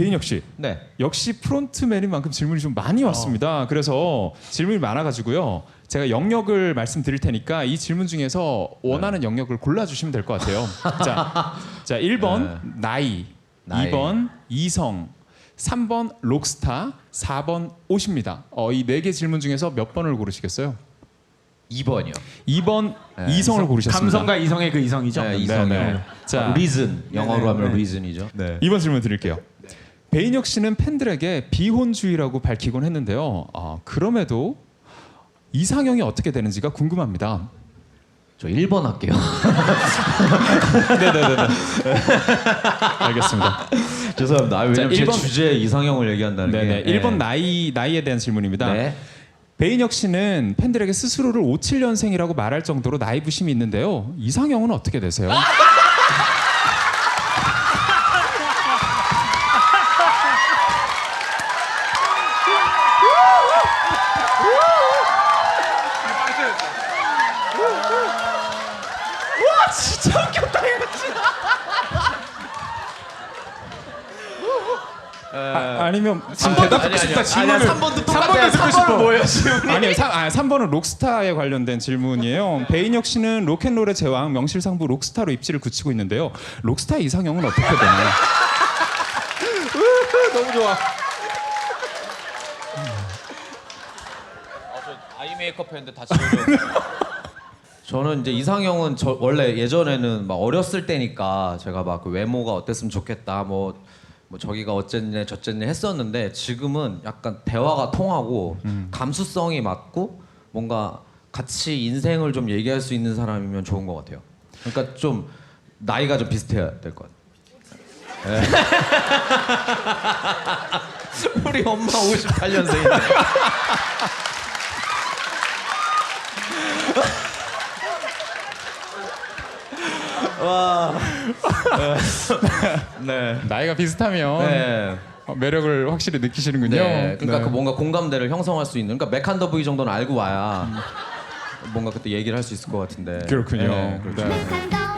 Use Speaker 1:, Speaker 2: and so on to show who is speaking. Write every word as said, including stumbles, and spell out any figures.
Speaker 1: 배인혁 씨.
Speaker 2: 네.
Speaker 1: 역시 프론트맨인 만큼 질문이 좀 많이 왔습니다. 그래서 질문이 많아가지고요. 제가 영역을 말씀드릴 테니까 이 질문 중에서 원하는 영역을 골라주시면 될 것 같아요. 자, 자 일 번
Speaker 2: 네.
Speaker 1: 나이,
Speaker 2: 나이.
Speaker 1: 이 번 이성, 삼 번 록스타, 사 번 옷입니다. 어, 이 네 개 질문 중에서 몇 번을 고르시겠어요?
Speaker 2: 이 번이요.
Speaker 1: 이 번
Speaker 2: 네.
Speaker 1: 이성을 고르셨습니다.
Speaker 3: 감성과 이성의 그 이성이죠.
Speaker 2: 네,
Speaker 1: 네,
Speaker 2: 이성이요.
Speaker 1: 네. 자,
Speaker 2: 아, 리즌. 영어로
Speaker 3: 네,
Speaker 2: 하면
Speaker 3: 네.
Speaker 2: 리즌이죠. 네.
Speaker 1: 이 번 질문 드릴게요. 배인혁 씨는 팬들에게 비혼주의라고 밝히곤 했는데요. 아, 그럼에도 이상형이 어떻게 되는지가 궁금합니다.
Speaker 2: 저 일 번 할게요.
Speaker 1: 네네네. 알겠습니다.
Speaker 2: 죄송합니다. 아, 왜냐면
Speaker 1: 자,
Speaker 2: 제
Speaker 1: 일 번
Speaker 2: 주제 이상형을 얘기한다는
Speaker 1: 네네.
Speaker 2: 게.
Speaker 1: 일 번 나이 나이에 대한 질문입니다.
Speaker 2: 네.
Speaker 1: 배인혁 씨는 팬들에게 스스로를 오십칠 년생이라고 말할 정도로 나이 부심이 있는데요. 이상형은 어떻게 되세요?
Speaker 3: 진짜 웃겼다 이거 진짜.
Speaker 1: 아, 아니면 지금 대답
Speaker 2: 아니,
Speaker 3: 싶다,
Speaker 2: 아니요.
Speaker 3: 질문을.
Speaker 2: 아니야, 삼 번도
Speaker 3: 삼
Speaker 2: 똑같아요.
Speaker 3: 번도 듣고
Speaker 2: 삼 번은
Speaker 3: 싶어.
Speaker 2: 뭐예요, 지금?
Speaker 1: 아니요, 삼, 아, 삼 번은 록스타에 관련된 질문이에요. 배인혁 씨는 로켓롤의 제왕 명실상부 록스타로 입지를 굳히고 있는데요. 록스타 이상형은 어떻게 되나요?
Speaker 3: 너무 좋아.
Speaker 2: 아이 메이크업 했는데 다 지워져. 저는 이제 이상형은 저 원래 예전에는 막 어렸을 때니까 제가 막 그 외모가 어땠으면 좋겠다 뭐, 뭐 저기가 어쨌네 저쨌네 했었는데 지금은 약간 대화가 통하고
Speaker 1: 음.
Speaker 2: 감수성이 맞고 뭔가 같이 인생을 좀 얘기할 수 있는 사람이면 좋은 것 같아요. 그러니까 좀 나이가 좀 비슷해야 될 것 같아요. 네. 우리 엄마 오십팔 년생인데. 와. 네.
Speaker 1: 나이가 비슷하면
Speaker 2: 네.
Speaker 1: 어, 매력을 확실히 느끼시는군요.
Speaker 2: 네. 그러니까
Speaker 1: 네.
Speaker 2: 그 뭔가 공감대를 형성할 수 있는. 그러니까 맥한더 부이 정도는 알고 와야 뭔가 그때 얘기를 할 수 있을 것 같은데.
Speaker 1: 그렇군요.
Speaker 2: 네, 그렇죠.
Speaker 1: 네.
Speaker 4: 맥한더